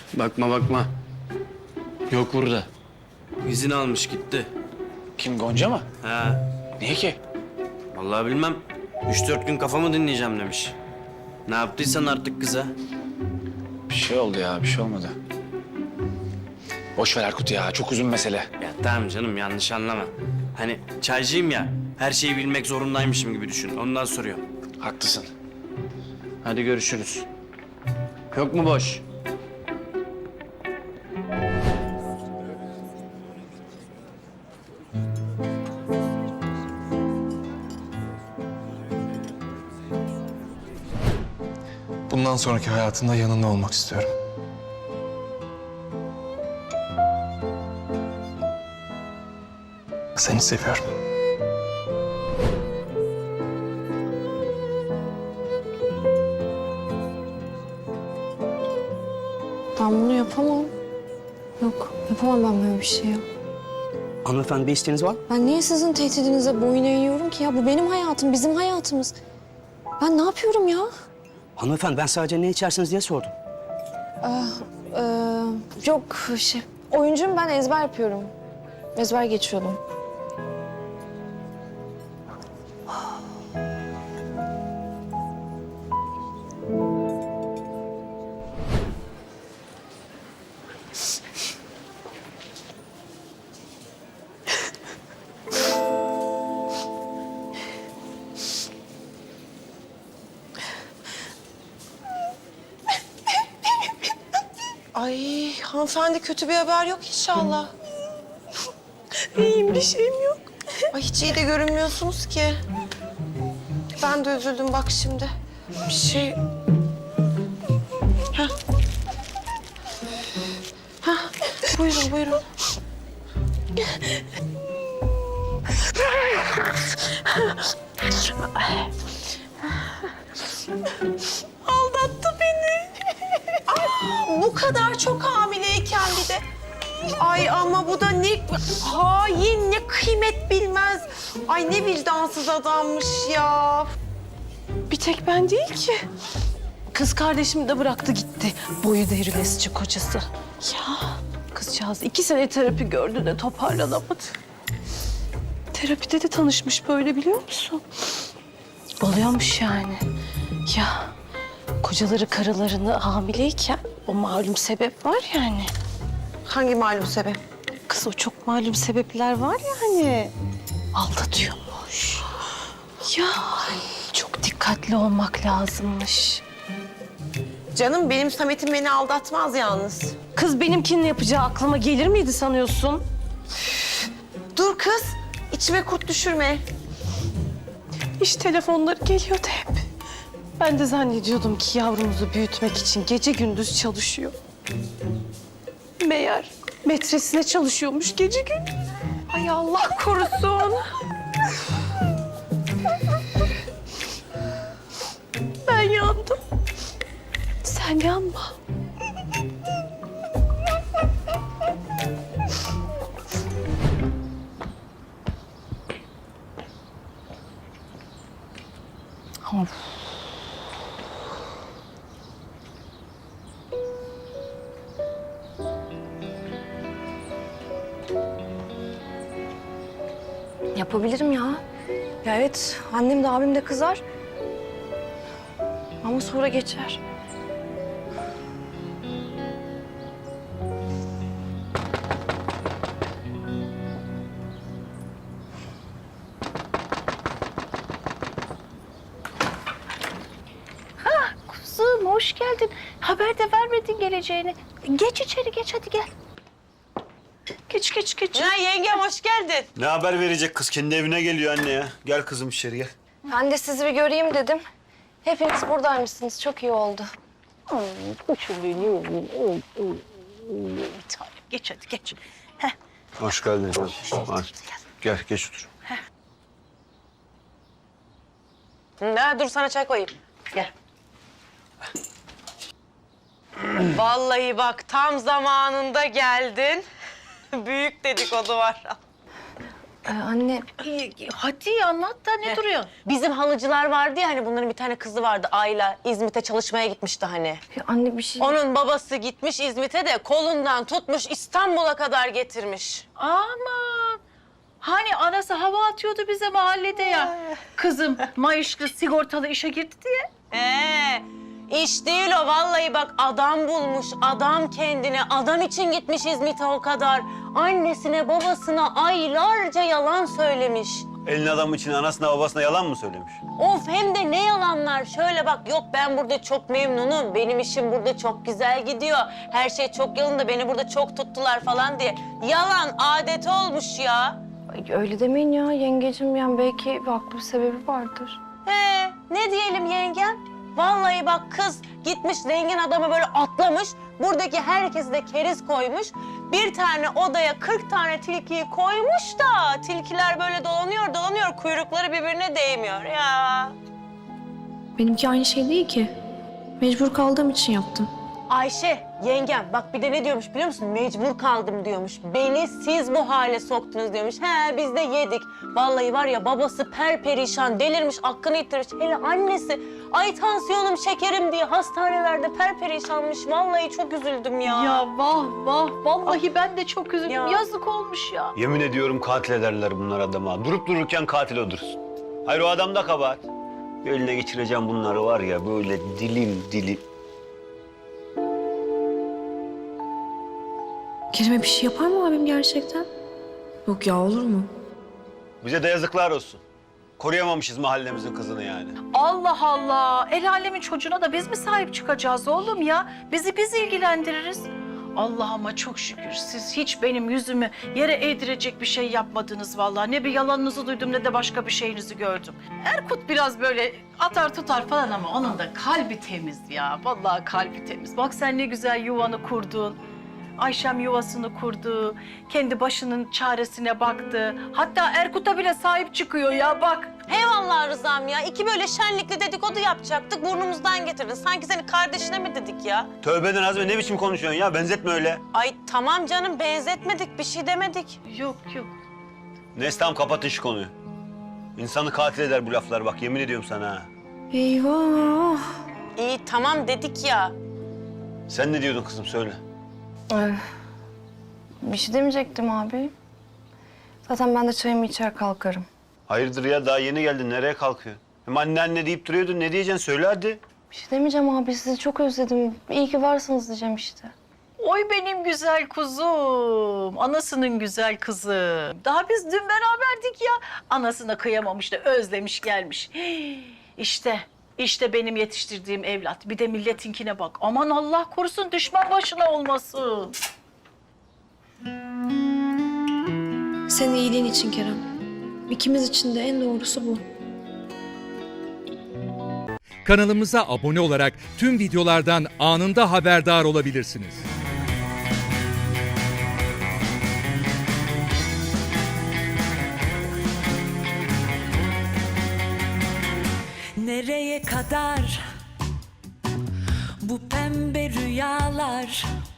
Bakma bakma. Yok burada. İzin almış gitti. Kim, Gonca mı? Ha. Niye ki? Vallahi bilmem. 3-4 gün kafamı dinleyeceğim demiş. Ne yaptıysan artık kıza. Bir şey oldu ya, bir şey olmadı. Boş ver Erkut ya, çok uzun mesele. Ya tamam canım, yanlış anlama. Hani çaycıyım ya, her şeyi bilmek zorundaymışım gibi düşün. Ondan soruyorum. Haklısın. Hadi görüşürüz. Yok mu boş? Bundan sonraki hayatında yanında olmak istiyorum. Seni seviyorum. Ben bunu yapamam. Yok, yapamam ben böyle bir şey ya. Hanımefendi bir isteğiniz var mı? Ben niye sizin tehdidinize boyun eğiyorum ki ya? Bu benim hayatım, bizim hayatımız. Ben ne yapıyorum ya? Hanımefendi ben sadece ne içersiniz diye sordum. Yok şey, oyuncuyum ben, ezber yapıyorum. Ezber geçiyordum. Ay hanımefendi kötü bir haber yok inşallah. İyiyim bir şeyim yok. Ay hiç iyi de görünmüyorsunuz ki. Ben de üzüldüm bak şimdi. Bir şey... Heh. Heh. Buyurun buyurun. Aldattı beni. Bu kadar çok hamileyken bir de. Ay ama bu da ne hain, ne kıymet bilmez. Ay ne vicdansız adammış ya. Bir tek ben değil ki. Kız kardeşimi de bıraktı gitti. Boyu devrilesici kocası. Ya kızcağız 2 sene terapi gördü de toparlanamadı. Terapide de tanışmış böyle biliyor musun? Oluyormuş yani. Ya kocaları karılarını hamileyken o malum sebep var yani. Hangi malum sebep? Kız o çok malum sebepler var yani. Aldatıyormuş. Ya çok dikkatli olmak lazımmış. Canım benim Samet'im beni aldatmaz yalnız. Kız benimkinin yapacağı aklıma gelir miydi sanıyorsun? Dur kız, içime kurt düşürme. İş telefonları geliyordu hep. Ben de zannediyordum ki yavrumuzu büyütmek için gece gündüz çalışıyor. Meğer metresine çalışıyormuş gece gündüz. Ay Allah korusun. Ben yandım. Sen yanma. Yapabilirim ya. Ya evet, annem de abim de kızar. Ama sonra geçer. Kızım hoş geldin. Haber de vermedin geleceğini. Geç içeri geç hadi gel. Geç. Ya yengem hoş geldin. Ne haber verecek kız? Kendi evine geliyor anne ya. Gel kızım içeri gel. Ben de sizi bir göreyim dedim. Hepiniz buradaymışsınız, çok iyi oldu. Bir tanem geç hadi geç. Hoş geldin canım. Gel geç otur. Dur sana çay koyayım. Gel. Vallahi bak tam zamanında geldin. Büyük dedikodu var. Anne Hadi anlat da ne duruyor? Bizim halıcılar vardı ya hani bunların bir tane kızı vardı Ayla. İzmit'e çalışmaya gitmişti hani. anne bir şey... Onun babası gitmiş İzmit'e de kolundan tutmuş İstanbul'a kadar getirmiş. Aman. Hani anası hava atıyordu bize mahallede ya. Kızım maaşlı sigortalı işe girdi diye. İş değil o vallahi bak adam bulmuş, adam kendine, adam için gitmiş İzmit'e o kadar. Annesine, babasına aylarca yalan söylemiş. Elin adam için anasına babasına yalan mı söylemiş? Of hem de ne yalanlar. Şöyle bak yok ben burada çok memnunum, benim işim burada çok güzel gidiyor. Her şey çok yolunda, beni burada çok tuttular falan diye. Yalan adet olmuş ya. Ay, öyle demeyin ya yengecim, yani belki haklı bir sebebi vardır. Ne diyelim yengem? Vallahi bak kız gitmiş zengin adama böyle atlamış. Buradaki herkesi de keriz koymuş. Bir tane odaya 40 tane tilkiyi koymuş da tilkiler böyle dolanıyor kuyrukları birbirine değmiyor ya. Benimki aynı şey değil ki. Mecbur kaldığım için yaptım. Ayşe yengem bak bir de ne diyormuş biliyor musun? Mecbur kaldım diyormuş. Beni siz bu hale soktunuz diyormuş. Biz de yedik. Vallahi var ya babası perperişan delirmiş aklını yitirmiş. Hele annesi ay tansiyonum şekerim diye hastanelerde perperişanmış. Vallahi çok üzüldüm ya. Ya vah vah. Vallahi ben de çok üzüldüm. Ya. Yazık olmuş ya. Yemin ediyorum katil ederler bunlar adama. Durup dururken katil olursun. Hayır o adam da kabahat. Bir eline geçireceğim bunları var ya böyle dilim. Kerem'e bir şey yapar mı abim gerçekten? Yok ya, olur mu? Bize de yazıklar olsun. Koruyamamışız mahallemizin kızını yani. Allah Allah. El alemin çocuğuna da biz mi sahip çıkacağız oğlum ya? Bizi biz ilgilendiririz. Allah'ıma çok şükür siz hiç benim yüzümü yere eğdirecek bir şey yapmadınız vallahi. Ne bir yalanınızı duydum ne de başka bir şeyinizi gördüm. Erkut biraz böyle atar tutar falan ama onun da kalbi temiz ya. Vallahi kalbi temiz. Bak sen ne güzel yuvanı kurdun. Ayşem yuvasını kurdu, kendi başının çaresine baktı. Hatta Erkut'a bile sahip çıkıyor ya bak. Eyvallah Rızam ya. İki böyle şenlikli dedikodu yapacaktık. Burnumuzdan getirdin. Sanki seni kardeşine mi dedik ya? Tövbeden Azmi ne biçim konuşuyorsun ya? Benzetme öyle. Ay tamam canım benzetmedik. Bir şey demedik. Yok. Neyse tamam kapatın şu konuyu. İnsanı katil eder bu laflar bak yemin ediyorum sana ha. Eyvah. İyi tamam dedik ya. Sen ne diyordun kızım söyle. Bir şey demeyecektim abi. Zaten ben de çayımı içer kalkarım. Hayırdır ya daha yeni geldin nereye kalkıyorsun? Hem anne deyip duruyordun ne diyeceksin söyle hadi. Bir şey demeyeceğim abi, sizi çok özledim. İyi ki varsınız diyeceğim işte. Oy benim güzel kuzum, anasının güzel kızı. Daha biz dün beraberdik ya. Anasına kıyamamış da özlemiş gelmiş. İşte benim yetiştirdiğim evlat. Bir de milletinkine bak. Aman Allah korusun düşman başına olmasın. Senin iyiliğin için Kerem. İkimiz için de en doğrusu bu. Kanalımıza abone olarak tüm videolardan anında haberdar olabilirsiniz. Nereye kadar bu pembe rüyalar,